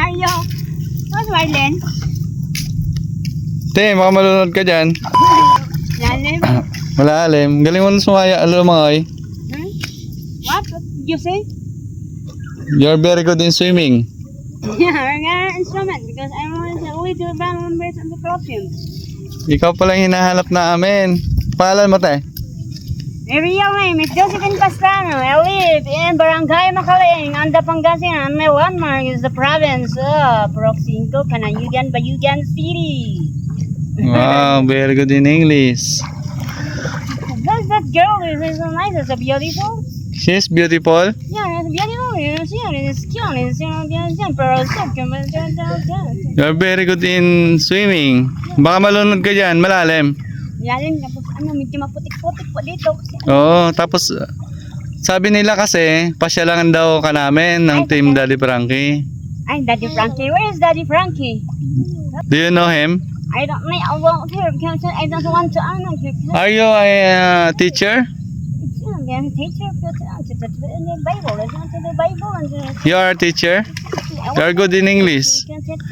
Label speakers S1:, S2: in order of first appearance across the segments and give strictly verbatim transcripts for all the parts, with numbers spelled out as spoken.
S1: are you? What's Marlene?
S2: Te, baka malunod ka dyan.
S1: Lalim?
S2: Malalim. Galing mo na sumaya. Alam mo ay.
S1: Hmm? What? What did you say?
S2: You're very good in swimming.
S1: Yeah, we're gonna instrument because I want to only do band members and the perfume.
S2: Ikaw pala yung hinahanap namin. Pangalan mo, te?
S1: My real name is Josephine Pastrano. I live in Barangay Macaling, Anda, Pangasinan. My landmark is the province of Proxinco, Canayugan, Bayugan City.
S2: Wow, very good in English.
S1: Does that girl is, is so nice, is so beautiful?
S2: She's beautiful.
S1: Yeah, it's beautiful. It's cute. It's cute. It's you know, yeah, pero so cute.
S2: You're very good in swimming. Baka malunod ka dyan, malalim.
S1: Lalim, tapos ano, medyo maputik-putik po dito.
S2: Oo, tapos uh, sabi nila kasi, pasyalangan daw ka namin ng Team Daddy Frankie.
S1: Ay, Daddy Frankie. Where is Daddy Frankie?
S2: Do you know him?
S1: I don't know. I won't hear because I don't want to ano.
S2: Are you a uh, teacher?
S1: I'm a teacher to the Bible. Listen to the Bible and the...
S2: You are a teacher? You are good in English.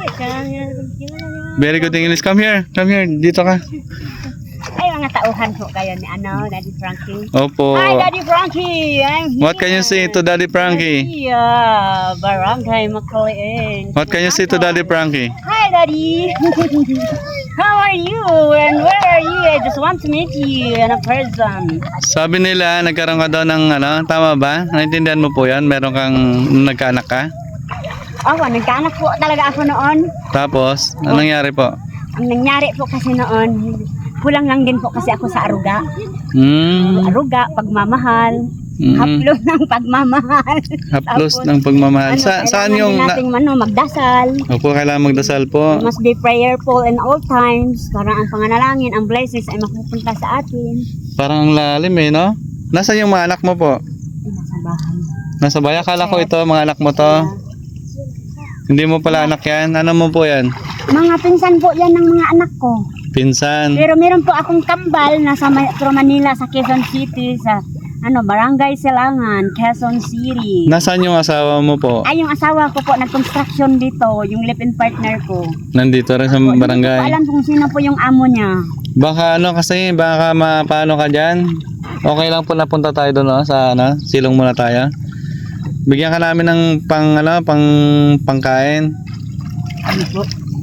S2: Very good in English. Come here. Come here. Dito ka.
S1: Ay, mga tauhan po kayo ni ano, Daddy Frankie.
S2: Opo.
S1: Hi, Daddy Frankie. I'm here.
S2: What can you say to Daddy Frankie?
S1: Yeah, Barangay Macaling.
S2: What can you say to Daddy Frankie?
S1: Hi, Daddy. How are you? And where are you? I just want to meet you in a person.
S2: Sabi nila, nagkaroon ka daw ng ano, tama ba? Naintindihan mo po yan? Meron kang nagkaanak ka?
S1: Oo, nagkaanak po talaga ako noon.
S2: Tapos, anong nangyari po?
S1: Ang nangyari po kasi noon, kulang lang din po kasi ako sa aruga.
S2: Hmm.
S1: Aruga, pagmamahal.
S2: Mm.
S1: Haplos ng pagmamahal.
S2: Haplos
S1: Tapos,
S2: ng pagmamahal.
S1: ano,
S2: Sa, saan yung...
S1: kailangan din
S2: Na,
S1: nating ano, magdasal.
S2: opo, kailangan magdasal po.
S1: We must be prayerful in all times. Para ang panganalangin, ang blessings ay mapupunta sa atin.
S2: Parang ang lalim eh, no? Nasaan yung mga anak mo po?
S1: Ay, nasa bahay.
S2: Nasa bayan? Akala ko ito, mga anak mo to. Hindi mo pala anak yan? Ano mo po yan?
S1: Mga pinsan po yan ng mga anak ko.
S2: Pinsan.
S1: Pero meron po akong kambal nasa Metro Manila sa Quezon City sa ano Barangay Silangan, Quezon City.
S2: Nasaan yung asawa mo po?
S1: Ay, yung asawa ko po nag-construction dito, yung live-in partner ko.
S2: Nandito rin sa
S1: Hindi ko
S2: barangay.
S1: alam kung sino po yung amo niya.
S2: Baka ano kasi, baka mapaano ka dyan. Okay lang po napunta tayo doon, no? Sa ano, silong muna tayo. Bigyan ka namin ng pang ano, pang pangkain.
S1: Ano po?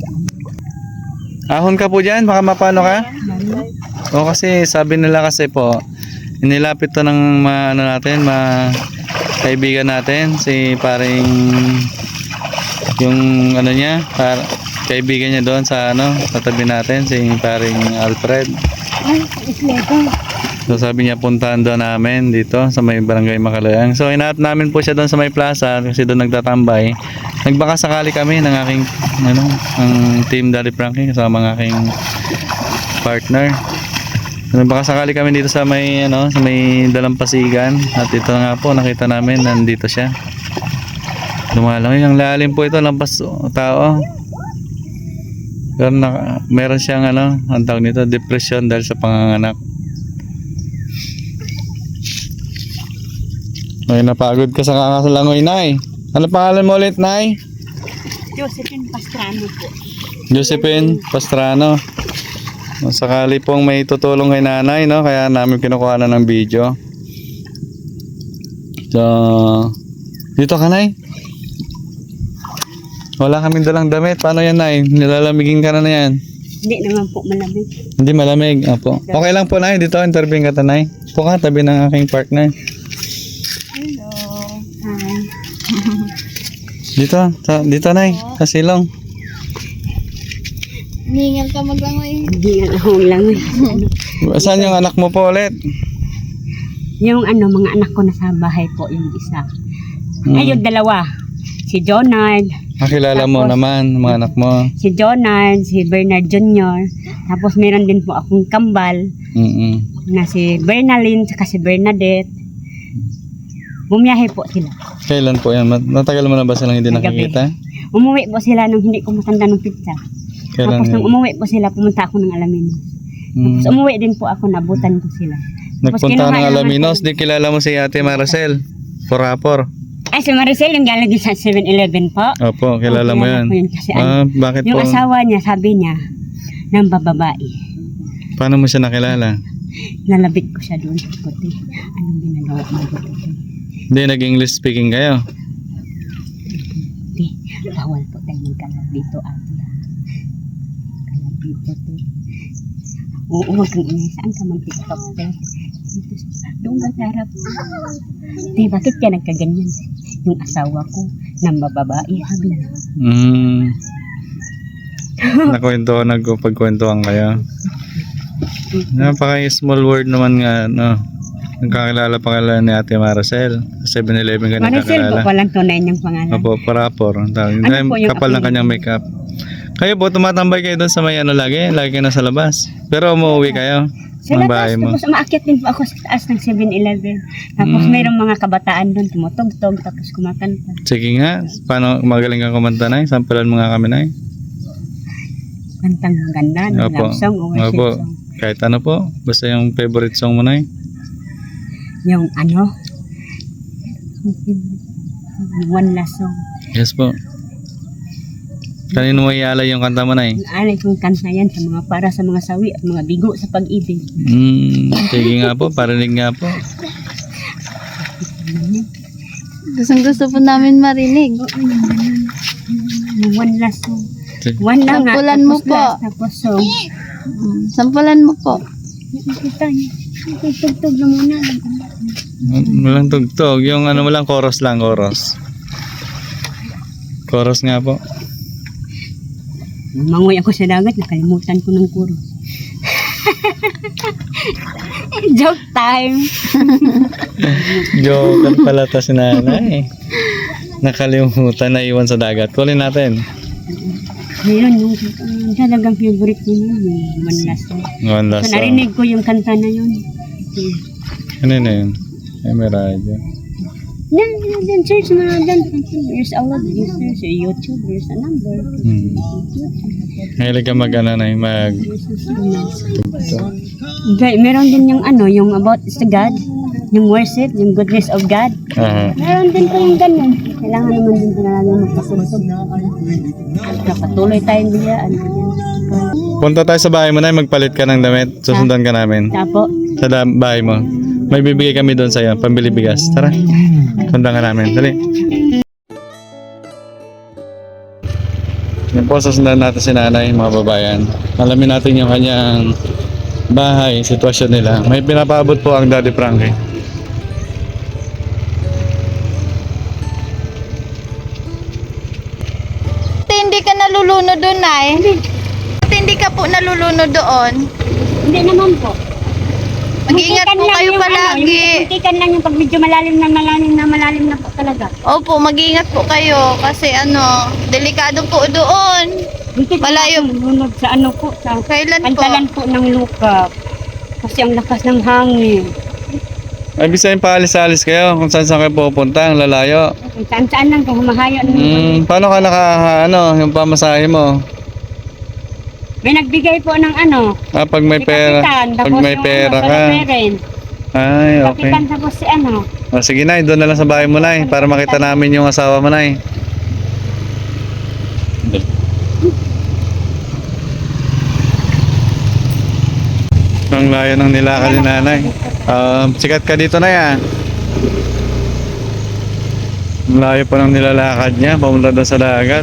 S2: Ahon ka po dyan, baka mapano ka? O kasi sabi nila kasi po, inilapit to ng mga ano natin, mga kaibigan natin, si paring yung ano niya, par, kaibigan niya doon sa ano, katabi natin, si paring Alfred.
S1: Ay, islego.
S2: So sabi niya puntahan doon namin dito sa may Barangay Macalayang. So hinahanap namin po siya doon sa may plaza kasi doon nagtatambay. Nagbaka sakali kami ng aking ano, ang Team Daddy Frankie kasama ng aking partner. Nagbaka sakali kami dito sa may ano, sa may Dalampasigan at ito nga po nakita namin nandito siya. Lumalang yung lalim po ito, lampas tao. Pero na, meron siyang ano, ang tawag nito, depression dahil sa panganganak. Ay, napagod ka sa kakasalangoy, Nay. Ano pangalan mo ulit, Nay?
S1: Josephine Pastrano po.
S2: Josephine Pastrano. Sakali pong may tutulong kay nanay, no? Kaya namin kinukuha na ng video. So, dito ka, Nay. Wala kaming dalang damit. Paano yan, Nay? Nilalamigin ka na na yan.
S1: Hindi naman po malamig.
S2: Hindi malamig. Apo. Okay lang po, Nay. Dito, interview ka ta, Nay. Po ka, tabi ng aking partner.
S1: Hello. Hi.
S2: Dito, ta, dito, Nay. Sa silong.
S3: Ningal ka maglangoy.
S1: Hindi nga ako lang.
S2: Saan yung anak mo po ulit?
S1: Yung ano, mga anak ko nasa bahay po, yung isa.
S2: Hmm.
S1: Ay, yung dalawa. Si Jonard.
S2: Nakilala mo
S1: Tapos,
S2: naman, mga anak mo.
S1: Si Jonard, si Bernard Junior Tapos meron din po akong kambal
S2: Mm-mm.
S1: na si Bernaline saka si Bernadette. Bumiyahe po sila.
S2: Kailan po yan? Mat- Natagal mo na ba silang hindi
S1: Kagabi.
S2: nakikita?
S1: Umuwi po sila nung hindi ko matanda ng pizza.
S2: Kailan
S1: Tapos nung
S2: yan?
S1: umuwi po sila, pumunta ako ng Alaminos.
S2: Mm.
S1: Tapos umuwi din po ako, nabutan ko sila. Tapos
S2: Nagpunta ka
S1: kinuha
S2: ng
S1: naman
S2: Alaminos,
S1: ko-
S2: di kilala mo si Ate Maricel. Porapor.
S1: Ay, si Maricel yung galing din sa seven eleven po.
S2: Opo, kilala
S1: Oh,
S2: mo
S1: kilala
S2: yan.
S1: ko yun kasi
S2: Ah, bakit
S1: Yung
S2: po?
S1: asawa niya, sabi niya, ng bababae.
S2: Paano mo siya nakilala?
S1: Nalabit ko siya doon sa puti. Anong ginagawa mo dito?
S2: Hindi, nag-English speaking kayo.
S1: Hindi, bawal po tayo magkalab dito, ate. Kalab dito, te. Oo, huwag kang inay. Saan ka man TikTok, te? Dito sa, doon ka sa harap. Te, bakit ka nagkaganyan? Yung asawa ko, ng bababae, sabi niya.
S2: Hmm. Nakwento, nagpagkwentuhan kayo. Napaka-small word naman nga, no? Nagkakilala pa kala ni Ate Maricel. Sa seven eleven ka
S1: Maricel po
S2: nagkakilala.
S1: palang tunay niyang pangalan.
S2: Opo, parapor. Ang tawag.
S1: Ano po yung
S2: Kapal ng
S1: apelido?
S2: kanyang makeup. Kayo po, tumatambay kayo doon sa may ano lagi? Lagi kayo nasa labas. Pero umuwi kayo?
S1: Sa
S2: Ng
S1: labas,
S2: bahay mo?
S1: tapos umaakyat din po ako sa taas ng seven eleven. Tapos
S2: Mm.
S1: mayroong mga kabataan doon, tumutugtog, tapos kumakanta.
S2: Sige nga. Paano magaling kang kumanta na? Sampulan mo nga kami na.
S1: Kantang maganda, ng
S2: Opo.
S1: love song o worship
S2: Opo.
S1: song.
S2: Kahit ano po. Basta yung favorite song mo na.
S1: Yung ano, yung one last song.
S2: Yes po. Kanino mo ialay yung kanta mo na?
S1: Yung alay kong kanta yan sa mga para sa mga sawi at mga bigo sa pag-ibig.
S2: Hmm, sige nga po, parinig nga po.
S3: Gustong gusto po namin marinig.
S1: Yung one last song.
S2: Sige.
S1: One lang nga,
S3: Sampulan mo
S1: tapos
S3: po.
S1: last, tapos song.
S3: Mm, Sampulan mo po.
S1: Nakikita niyo. Tugtog na muna.
S2: Walang tugtog. Yung ano mo lang, chorus lang, chorus. Chorus nga po.
S1: Mangoy ako sa dagat, nakalimutan ko ng kuro. Joke time.
S2: Joker pala ta si nanay. Nakalimutan na iwan sa dagat. Kulin natin.
S1: Mayroon yung uh, talagang favorite ko yun, yung one last song.
S2: One last
S1: So,
S2: song.
S1: narinig ko yung kanta na yun.
S2: Ano na yun? Ay, may radyo.
S1: Then, then search mo na dyan. There's a lot of users sa YouTube. There's a number.
S2: Hmm. Mahilig ka mag ano na mag
S1: There's a signal.
S2: tugtog.
S1: Okay, meron din yung ano, yung about the God, yung worship, yung goodness of God.
S2: Aha.
S1: Meron din po yung ganun. Kailangan naman din po natin magpasubsog. Kapatuloy tayong bigyan.
S2: Punta tayo sa bahay mo na, magpalit ka ng damit. Susundan ka namin.
S1: Tapo.
S2: Sa da- bahay mo. May bibigay kami doon sa'yo, pambili bigas. Tara. Sundan ka namin. Dali. Yan po, susundan natin si nanay, mga babayan. Alamin natin yung kanyang bahay, sitwasyon nila. May pinapaabot po ang Daddy Frankie.
S3: Ate, hindi ka nalulunod doon, Nay. Ate, hindi ka po nalulunod doon.
S1: Hindi naman po.
S3: Mag-ingat
S1: Muntikan
S3: po
S1: lang
S3: kayo
S1: yung
S3: palagi.
S1: Ano, yung muntikan lang yung pag medyo malalim na malalim na malalim na po talaga.
S3: Opo, mag-ingat po kayo kasi ano, delikado po doon.
S1: Muntikan
S3: Malayo.
S1: lang lunod sa ano po, sa
S3: Kailan po?
S1: pantalan po ng lupa. Kasi ang lakas ng hangin.
S2: Ay, bisayin paalis-alis kayo kung saan saan kayo pupunta, ang lalayo.
S1: Kung saan-saan lang kung humahayo. ng
S2: Hmm, paano ka naka, ano, yung pamasahe mo?
S1: May nagbigay po ng ano,
S2: Ah, pag may
S1: si
S2: pera,
S1: Kapitan,
S2: pag
S1: tapos
S2: may
S1: yung
S2: pera
S1: ano,
S2: ka.
S1: sa parents.
S2: Ay, okay.
S1: Kapitan tapos si ano.
S2: O, sige na, doon na lang sa bahay mo na para makita namin yung asawa mo na Ang layo ng nilakad ni nanay. Um, sikat ka dito na yan. Ang layo pa ng nilalakad niya, pumunta doon sa dagat.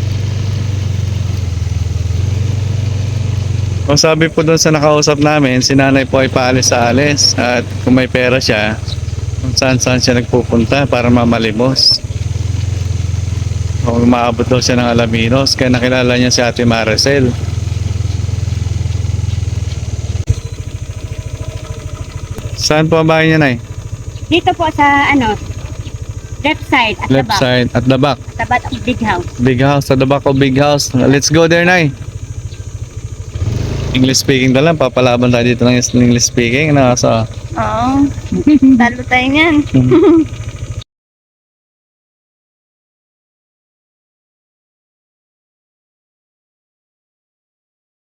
S2: O sabi po doon sa nakausap namin, si nanay po ay paalis sa alis. At kung may pera siya, kung saan saan siya nagpupunta para mamalimos. O umaabot daw siya ng Alaminos, kaya nakilala niya si Ate Maricel. Saan po ang bahay niya, Nay?
S1: Dito po sa ano, left side at
S2: Left
S1: the back.
S2: side, at the back.
S1: At the back of big house.
S2: Big house, at the back of big house. Let's go there, Nay. English speaking na lang, papalaban tayo dito ng English speaking. Ano, so,
S3: Oo. Talo tayo niyan.